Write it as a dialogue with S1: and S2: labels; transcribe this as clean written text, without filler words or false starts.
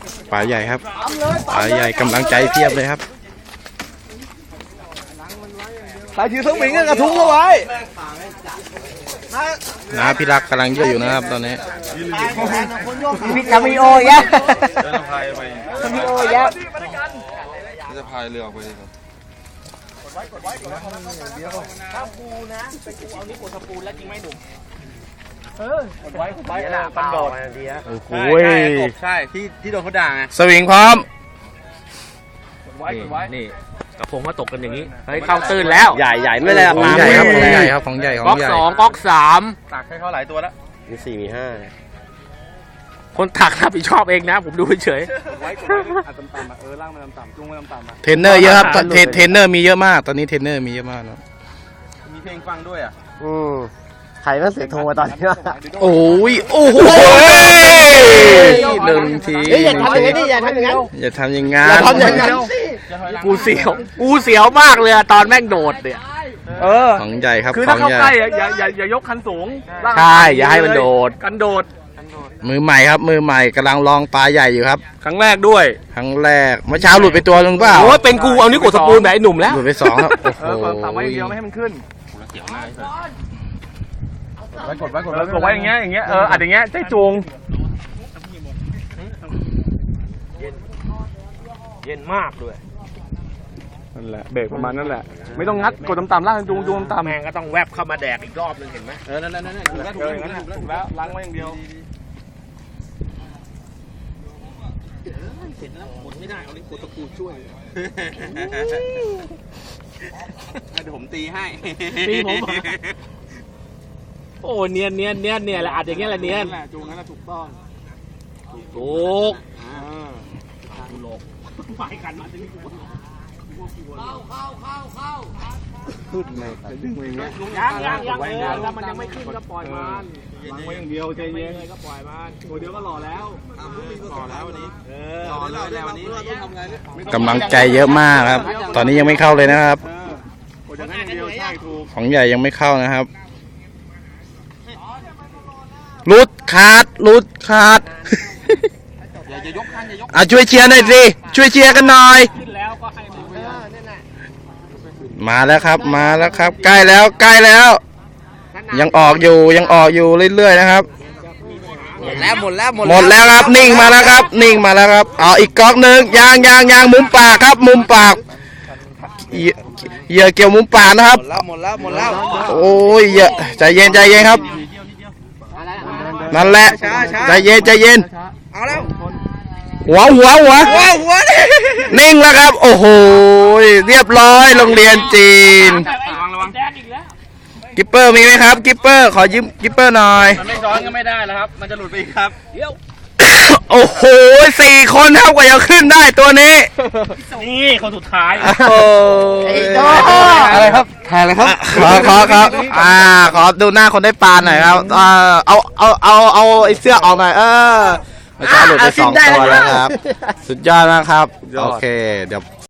S1: ปลาใหญ่ครับปลาใหญ่กำลังใจเพียบเลยครับ
S2: สายถือสวิงกระทุ้งเอาไว้
S1: น้าพี่รักกำลังเยอะอยู่นะครับตอนนี้
S3: พี่คามิโอเยอะคามิโอเยอะ
S2: จะพายเรือออกไปดีกว่า
S3: ถ้าปูนะเป็นปูเอานี่ปูสปูนแล้วจริงไหมหนุ่มไว้ปันโดด
S1: โอ้โห
S2: ใช่ที่โดนเขาด่าไง
S1: สวิงพร้อม
S3: นี่กระพงมาตกกันอย่างนี้เฮ้ยเข้าตื้นแล้วใหญ่ไม่เลย
S1: ของใหญ่ครับของใหญ่ครับของใหญ่ของใหญ่
S3: ก๊อก2ก๊อก3
S2: ตักให้เขาหลายตัวแล้ว
S3: มี4มี5คนถักรับผิดชอบเองนะผมดูเฉย
S2: ไว้ต่ำๆล่างมันต่ำๆจุ้งมันต่ำๆ
S1: เทรนเนอร์เยอะครับเทรนเนอร์มีเยอะมากตอนนี้เทรนเนอร์มีเยอะมากนะ
S2: มีเพลงฟังด้วยอ่ะ
S3: ใครก็เสียโทรตอนนี้
S1: โอ้ยโอ้โหหนึ่งที
S3: อย่าทำอย่างนี้อย่าทำอย่างนั้น
S1: อย่าทำอย่างงั้น
S3: กูเสียวมากเลยตอนแม่งโดดเนี่ย
S1: ของใหญ่ครับ
S2: คือถ้าเข้าใกล้อย่ายกคันสูง
S3: ใช่อย่าให้มันโดด
S2: กันโดด
S1: มือใหม่ครับมือใหม่กำลังลองปลาใหญ่อยู่ครับ
S2: ครั้งแรกด้วย
S1: ครั้งแรกเมื่อเช้าหลุดไปตัวนึงเปล่า
S3: โอ้เป็นกูเอานี่กดสปูนแบบไอ้หนุ่มแล้ว
S1: หลุดไป2ครับโอ้โห
S2: ต่ำไว้อย่างเดียวไม่ให้มันขึ้นกดไว้อย่างเงี้ยอัดอย่างเงี้ยใจจูง
S3: เย็นมากด้วย
S2: นั่นแหละเบรกประมาณนั่นแหละไม่ต้องงัดกดต่ำๆล่างจูงต่ำ
S3: แมงก็ต้องแวบเข้ามาแดกอีกรอบนึงเห็นไหม
S2: นั่นถูกแล้วล้างไว้อย่างเดียว
S3: เสร็จแล้วหมดไม่ได้เอาลิ้นกดตะปูช่วย
S2: เดี๋ยวผมตีให้
S3: ตีผมโอ้เนียนแหละอัดอย่างเงี้ยแหละเนียน
S2: จูงนั่นแหละถูกต้อง
S3: ถูกโลกไปกันมาที่นี่กูเข้า
S2: ขึ้นเลยดึงไปอย่างเงี้ย
S3: ยังแล้วมันยังไม่ขึ้นก็ปล่อยมัน
S2: วางไว้อย่างเดียวใจเย็น
S3: ก็ปล่อยมัน
S2: ตัวเดียวก็หล่อแล้ววันนี้หล่อแล้ววันนี้
S1: กำลังใจเยอะมากครับตอนนี้ยังไม่เข้าเลยนะครับของใหญ่ยังไม่เข้านะครับลุดขาดช่วยเชียร์หน่อยสิช่วยเชียร์กันหน่อยมาแล้วครับใกล้แล้วยังออกอยู่เรื่อยๆนะครับ
S3: หมดแล้ว
S1: ครับนิ่งมาแล้วครับเอาอีกก๊อกนึงยางมุมปากครับมุมปากเหยื่อเกี่ยวมุมปากนะครับ
S3: หมดแล้ว
S1: โอ้ยใจเย็นครับนั่นแหละใจเย็น
S3: เอาแล้ว
S1: หัวนิ่งแล้วครับโอ้โหเรียบร้อยโรงเรียนจีน
S2: ระวัง
S1: กิปเปอร์มีไหมครับกิปเปอร์ขอยืมกิปเปอร์หน่อย
S2: มันไม่ซ้อนก็ไม่ได้แล้วครับมันจะหลุดไปอีกครับ
S1: โอ้โห4 คนครับกว่าจะขึ้นได้ตัวนี้
S3: นี่คนสุดท้าย
S1: อะไรครับถ่ายอะไรครับขอดูหน้าคนได้ปลาหน่อยครับเอาไอ้เสื้อออกหน่อยไม่ใช่หลุดไป2 ตัวแล้วครับสุดยอดนะครับโอเคเดี๋ยว